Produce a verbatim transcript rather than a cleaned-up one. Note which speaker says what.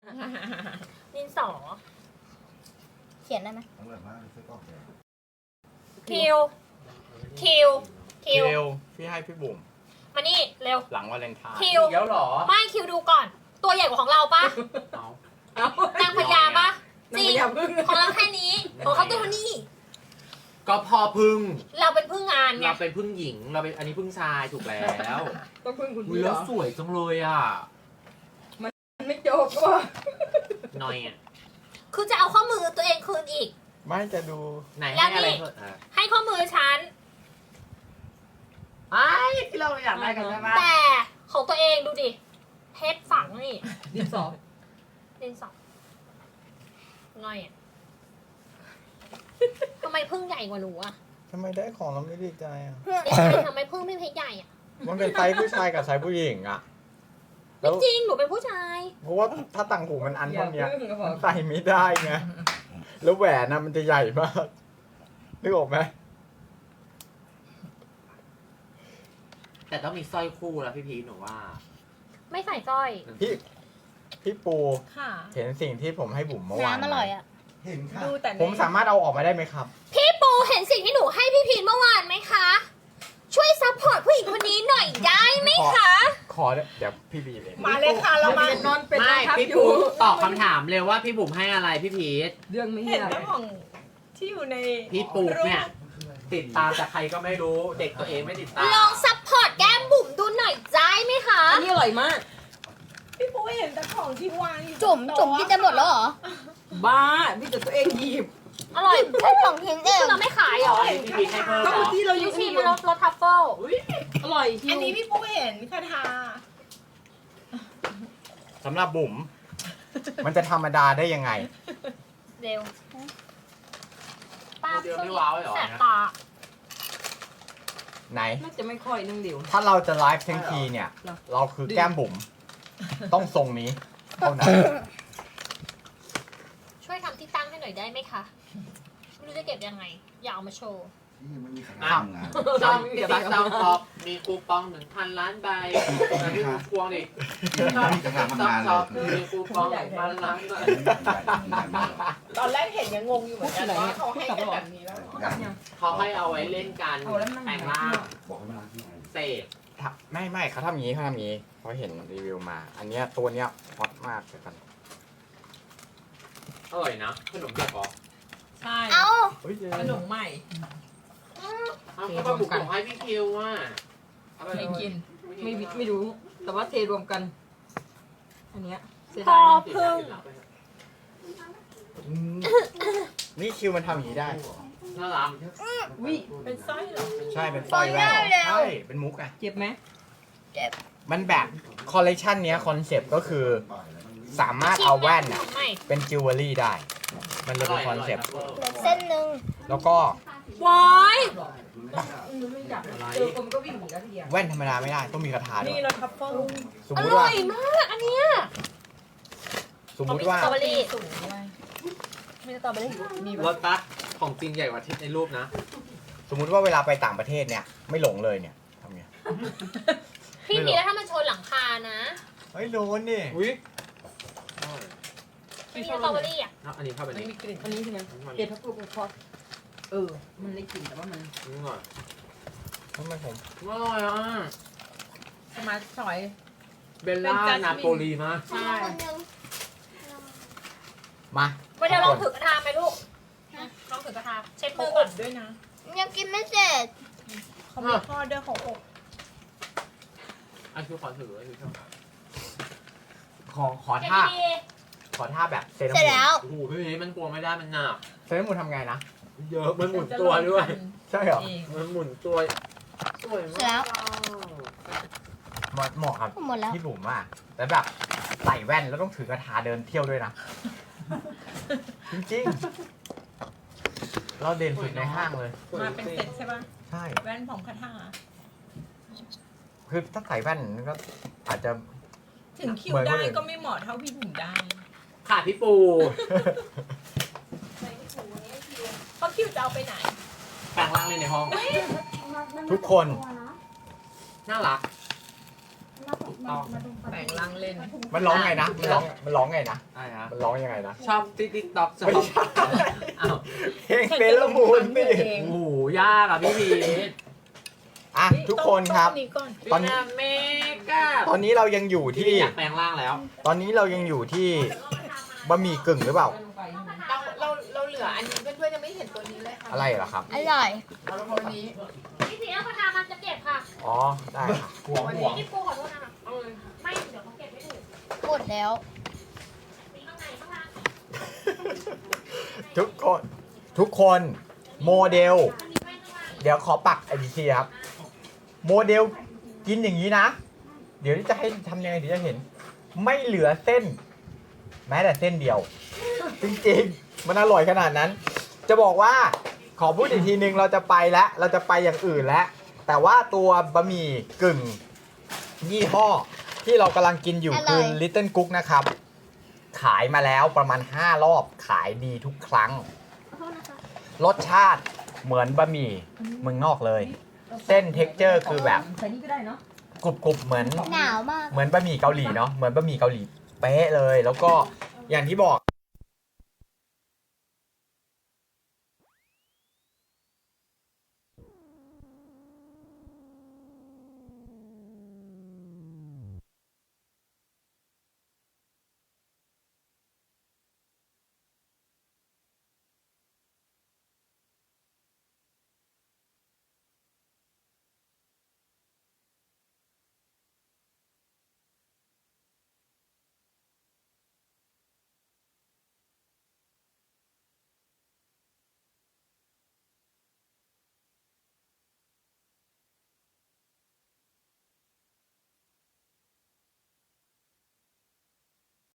Speaker 1: ดินสอเขียนได้ไหมคิวคิวคิว
Speaker 2: เร็วพี่ให้พี่บุ๋ม
Speaker 1: มานี่เร็ว
Speaker 2: หลังวาเลนไทน์
Speaker 1: คิว
Speaker 3: เดี๋ยวหรอ
Speaker 1: ไม่คิวดูก่อน ตัวใหญ่กว่าของเราปะ
Speaker 2: เอา
Speaker 1: นางพญาปะจริงของเราแค่นี้ของเขาตัวเท่านี้
Speaker 3: ก็พอพึ่ง
Speaker 1: เราเป็นพึ่งงานไง
Speaker 3: เราเป็นพึ่งหญิง เราเป็นอันนี้พึ่งชายถูกแล้ว
Speaker 4: ต้องพึ่งคุณ
Speaker 3: อุ๊ย
Speaker 4: พี่เหร
Speaker 3: แล้ว
Speaker 4: อ
Speaker 3: สวยจังเลยอ่ะ
Speaker 4: มันไม่จบก็
Speaker 3: หน่อยอ่ะ
Speaker 1: คือจะเอาข้อมือตัวเองคืนอีก
Speaker 2: ไม่จะดู
Speaker 3: ไหน
Speaker 1: แล้
Speaker 3: ให้
Speaker 1: วนี่
Speaker 3: อะไรเพิ่มอ่ะ
Speaker 1: ให้ข้อมือฉัน
Speaker 3: ไอ้ที่เราอยากได้กันใช่ไหม
Speaker 1: แต่ของตัวเองดูดิเพชรฝังนี่
Speaker 4: ดินสอ
Speaker 1: ดินสอง่อยอ่ะทำไมพึ่งใหญ่กว่าหนูอ่ะ
Speaker 2: ทำไมได้ของเราไม่ดีใจอ่ะ
Speaker 1: ดีใจทำไมพึ่งไม่เพชรใหญ่อ่ะ
Speaker 2: มันเป็นไซส์ผู้ชายกับไซส์ผู้หญิงอ่ะ แล้
Speaker 1: ไม่
Speaker 2: ว
Speaker 1: จริงหนูเป็นผู้ชาย
Speaker 2: เพราะว่าถ้าต่างหูมันอัน
Speaker 4: อ
Speaker 2: เท่า
Speaker 4: ย่า
Speaker 2: นี้
Speaker 4: พึ่งก็บอ
Speaker 2: มั
Speaker 4: ก
Speaker 2: นใส่ไม่ได้ไง แล้วแหวนนะมันจะใหญ่มากนึกออกไหม
Speaker 3: แต่ต้องมีสร้อยคู่แล้วพี่พีชหนูว่า
Speaker 1: ไม่ใส่สร้อย
Speaker 2: พี่พี่ปู
Speaker 4: ค่ะ
Speaker 2: เห็นสิ่งที่ผมให้บุ๋มเมื่อวาน
Speaker 1: น้ำอร่อยอ่ะ
Speaker 5: เห็นค่ะ
Speaker 4: ดูแต่ใน
Speaker 2: ผมสามารถเอาออกมาได้ไหมครับ
Speaker 1: พี่ปูเห็นสิ่งที่หนูให้พี่พีนเมื่อวานไหมคะ ช่วยซัพพอร์ตผู้หญิงคนนี้หน่อยได้ไหมคะ
Speaker 2: ขอเดี๋ยวพี่บีเลย
Speaker 4: มาเลยค่ะเรามานอนเป็น
Speaker 3: ไม่
Speaker 4: นะครับ
Speaker 3: พี่
Speaker 4: อ
Speaker 3: ปู
Speaker 4: ยู่
Speaker 3: ตอบคำถามเลยว่าพี่บุ๋มให้อะไรพี่พีช
Speaker 4: เรื่องไม่
Speaker 6: เห็
Speaker 4: เหี้
Speaker 6: น
Speaker 4: ย
Speaker 6: น้ำของที่อยู่ใน
Speaker 3: พี่ปูเนี่ยติดตามจากใครก็ไม่รู้ เด็กตัวเองไม่ติดตาม
Speaker 1: ลองซัพพอร์ตแก้มบุ๋มดูหน่อยได้ไหมคะ
Speaker 4: อันนี้อร่อยมาก
Speaker 6: พี่ปูเห็นแต่ของที่วางอยู่
Speaker 1: จุ่มจุ่มกินจะหมดแล้วเหรอ
Speaker 4: บ้าพี่แต่ตัวเองหยิบ
Speaker 1: อร่อยแค่สองชิ้นเองเราไม่ขายเหรอ
Speaker 3: พี่พีชให้เพิ่ม
Speaker 4: ก็
Speaker 3: เหร
Speaker 4: เมื่อ
Speaker 3: อ
Speaker 4: กี้เราอ
Speaker 1: ยู
Speaker 4: ยู่
Speaker 1: ชิ
Speaker 4: ที่
Speaker 1: มรสรสทัฟเฟิล
Speaker 4: อร่อยคิ
Speaker 6: อั
Speaker 4: วน
Speaker 6: นี้พี่ปูเห็นคาทา
Speaker 2: สำหรับบุ๋ม มันจะธรรมดาได้ยังไง
Speaker 1: เร็วป้า
Speaker 3: เดี๋ยวไม่ว้าวเลยเหรอ
Speaker 1: แสบตา
Speaker 2: ไหน
Speaker 4: น่าจะไม่ค่อยนึงเดียว
Speaker 2: ถ้าเราจะไลฟ์ทั้งทีเนี่ย
Speaker 4: เหรอ
Speaker 2: เราคือแก้มบุ๋ม ต้องทรงนี้เท่านั้น
Speaker 1: ช่วยทำที่ตั้งให้หน่อยได้ไหมคะไม่รู้จะเก็บยังไง อย่าเอามาโชว์
Speaker 5: นี่มันมีขนาด
Speaker 2: อ้าว
Speaker 5: ทำงาน
Speaker 3: จอมพี่พีชจอมขอบมีคูปองหนึ่งพันล้านใบแล้วพี่พวงดิ
Speaker 5: มันมีกระทะ
Speaker 3: จอ
Speaker 5: ทำ
Speaker 3: ม
Speaker 5: งาน
Speaker 3: ข
Speaker 5: เล
Speaker 3: อย บมีคูปองหนึ่งพันล้านใบ
Speaker 6: ตอนแรกเห็นยังงงอยู่เหมือนกันว่าเขาให้กันแบบนี้แล้วเหรอ
Speaker 3: เขาให้เอาไว้เล่นกัน
Speaker 4: เอาแล้วมัน
Speaker 3: แปลงร่าง
Speaker 5: บอกให้มาล้างที่ไหน
Speaker 3: เสพ
Speaker 2: ไม่ไม่เขาทำอย่างนี้เขาทำอย่างนี้เขาเห็นรีวิวมา อันเนี้ยตัวเนี้ยฮอตมากเลยกัน
Speaker 3: อร่อยนะขนมเปียกเหรอ
Speaker 6: ใช่
Speaker 1: เอา
Speaker 2: เฮ้ย
Speaker 6: ขนมใหม่
Speaker 3: เอาก็มาบุกของให้พี่คิวว่ะเอาไปเลย
Speaker 6: ไม่กิน
Speaker 4: ไม่ไม่รู้ แต่ว่าเทรวมกัน อันเนี้ยเสีย
Speaker 1: พ
Speaker 4: ดา
Speaker 1: อย
Speaker 4: นะ
Speaker 1: พึ่ง
Speaker 2: อืมนี่คิวมันทำอย่างนี้ได้
Speaker 3: น่ารัก
Speaker 4: วิ
Speaker 6: เป็นสร้อยเหรอ
Speaker 2: ใช่เป็นสร้อยแว่นใช่เป็นมุกไง
Speaker 4: เจ็บไหม
Speaker 2: มันแบบคอลเลกชันเนี้ยคอนเซปต์ก็คือ สามารถเอาแว่นอะ
Speaker 1: ไม่
Speaker 2: เป็นจิวเวลรี่ได้ มันเลยเป็นคอนเซปต์
Speaker 1: เส้นหนึ่ง
Speaker 2: แล้วก็
Speaker 1: วาย
Speaker 4: ไม่อยากเจอคนก็วิ่งหนีแล้วทีเดียว
Speaker 2: แว่นธรรมดาไม่ได้ต้องมีคาถาด้ว
Speaker 6: นี่
Speaker 2: ย
Speaker 6: เราทัฟเฟิล
Speaker 2: สม
Speaker 1: อ
Speaker 2: มุติ
Speaker 1: ร่
Speaker 2: ว่า
Speaker 1: อยมากอันเนี้ย
Speaker 2: สมมุติว่า
Speaker 1: สตรอเบอรี่
Speaker 6: สูงด้วย
Speaker 1: มีสตรอเบอรี่
Speaker 6: มี
Speaker 3: รถบัสของจริงใหญ่กว่าที่ในรูปนะ
Speaker 2: สมมุติว่าเวลาไปต่างประเทศเนี่ย ไม่หลงเลยเนี่ยทำไง
Speaker 1: พี่มีแล้วถ้ามันชนหลังคานะ
Speaker 2: เฮ้ยโดนนี่
Speaker 3: อุ้ย
Speaker 1: มีสตรอเบอรี่อ่ะ
Speaker 3: อันนี้เข้าไป
Speaker 6: มัน
Speaker 3: นี่
Speaker 6: มีกลิ่น
Speaker 4: อันนี้ใช่ไหมเห็ดพับลูกมันทอดเออ มันได้กลิ่นแต่ว่ามัน
Speaker 3: นี่หน่อย
Speaker 2: ทำไมผม
Speaker 3: อร่อยอ่ะ
Speaker 6: สมาร์ทชอย
Speaker 3: เบลล่า
Speaker 6: เป็นจัสมิน
Speaker 3: นาโปลีมาก
Speaker 6: ใช่
Speaker 2: มา
Speaker 1: มาเดี๋ยวลองถือกระทาไหมลูกลองถือกระทาเช็ด
Speaker 6: เขา
Speaker 1: มือ
Speaker 6: อ
Speaker 1: ก่อน
Speaker 6: บด้วยนะ
Speaker 1: ยังกินไม่เสร็จ
Speaker 6: เขามีทอดด้วยเขาอบ
Speaker 3: อันคือขอถือไว้คือชอบ
Speaker 2: ขอขอ
Speaker 1: เช็ด
Speaker 2: ท่า
Speaker 1: ดี
Speaker 2: ขอท่าแบบเซรา
Speaker 1: ๆเสร็จ
Speaker 2: มูน
Speaker 1: แล้ว
Speaker 3: โอ้โหพี่พีชมันกลัวไม่ได้มันหนัก
Speaker 2: เซรามูนทำไงนะ
Speaker 3: เยอะมันหมุนตัวด้วย
Speaker 2: ใช่เหรอ
Speaker 6: เอง
Speaker 3: มันหมุนตัวสวย
Speaker 1: เสร็จแล้
Speaker 3: มาว ก
Speaker 2: เหมาะเหมาะครับ
Speaker 1: หมดแล้ว
Speaker 2: พี่บุ๋มอ่ะแต่แบบใส่แว่นแล้วต้องถือกระทาเดินเที่ยวด้วยนะ จริงๆ เราเด่นสุดในห้างเลย
Speaker 6: มาเป็นเซตใช่ป่ะ
Speaker 2: ใช่
Speaker 6: แว่นผมคาทา
Speaker 2: คือถ้าใส่แว่นก็อาจจะ
Speaker 6: ถึงคิว
Speaker 2: เหมือนคน
Speaker 6: ได้
Speaker 2: อื่น
Speaker 6: ก็ไม่เหมาะเท่าพี่บุ๋มได้
Speaker 3: ค่ะพี่ปู
Speaker 6: เพราะคิวจะเอาไปไหน
Speaker 3: แปลงร่างเลยในห้อง
Speaker 2: ทุกคน
Speaker 3: น่ารัก
Speaker 4: แปลงร่างเล่น
Speaker 2: มันร้องไงนะ มันร้องมันร้องไงนะ
Speaker 3: อะไรนะ
Speaker 2: มันร้องยังไงนะ
Speaker 3: ชอบติ๊กติ๊กต็อกชอบ
Speaker 2: ไม่ใช่
Speaker 3: อ้าว
Speaker 2: เพลงเซเลอร์มูนพี่
Speaker 3: โอ้โหยากอ่ะพี่พีท
Speaker 2: อ่ะทุกคนครับ
Speaker 6: ต้องนี้ก่อน
Speaker 2: ตอนนี้
Speaker 3: พี่นาเมกา
Speaker 2: ตอนนี้เรายังอยู่
Speaker 3: พี่
Speaker 2: ที่
Speaker 3: อยากแปลงร่างแล้ว
Speaker 2: ตอนนี้เรายังอยู่ที่บะหมี่กึ่งหรือเปล่า
Speaker 6: เราเราเราเหลืออันนี้เพื่อนๆยังไม่เห็นตัวนี้เลยค่ะ
Speaker 2: อะไรเหรอครับ
Speaker 1: อร่อย
Speaker 6: เอาตัวนี้
Speaker 1: พี่พีเอากระทามันจะเก็บค่ะ
Speaker 2: อ๋อ ได้ครับ
Speaker 5: ห่วงห่วง
Speaker 1: พี่ปูขอโทษนะคะไม่เดี๋ยวเขาเก็บไม่ถูกหมดแล้วมีข้างในข้างล่าง
Speaker 2: ทุกคน ทุกคนโมเดล
Speaker 1: มันมีแว่นข้างล่าง
Speaker 2: เดี๋ยวขอปักไอดีซีครับ โมเดลกินอย่างนี้นะ เดี๋ยวจะให้ทำยังไงถึงจะเห็น ไม่เหลือเส้น แม้แต่เส้นเดียว จริงๆ มันอร่อยขนาดนั้น จะบอกว่าขอพูดอีกทีนึงเราจะไปแล้ว เราจะไปอย่างอื่นแล้ว แต่ว่าตัวบะหมี่กึ่งยี่ห้อ ที่เรากำลังกินอยู่คือ Little Cook นะครับ ขายมาแล้วประมาณห้ารอบขายดีทุกครั้ง รสชาติเหมือนบะหมี่เมืองนอกเลย เส้นเท็กเจอร์คือแบบ
Speaker 4: ใส่นี่ก็ได้เนาะ
Speaker 2: กรุบกรุบๆเหมือน
Speaker 1: หนาวมาก
Speaker 2: เหมือนบะหมี่เกาหลีเนาะเหมือนบะหมี่เกาหลีเป๊ะเลย แล้วก็อย่างที่บอก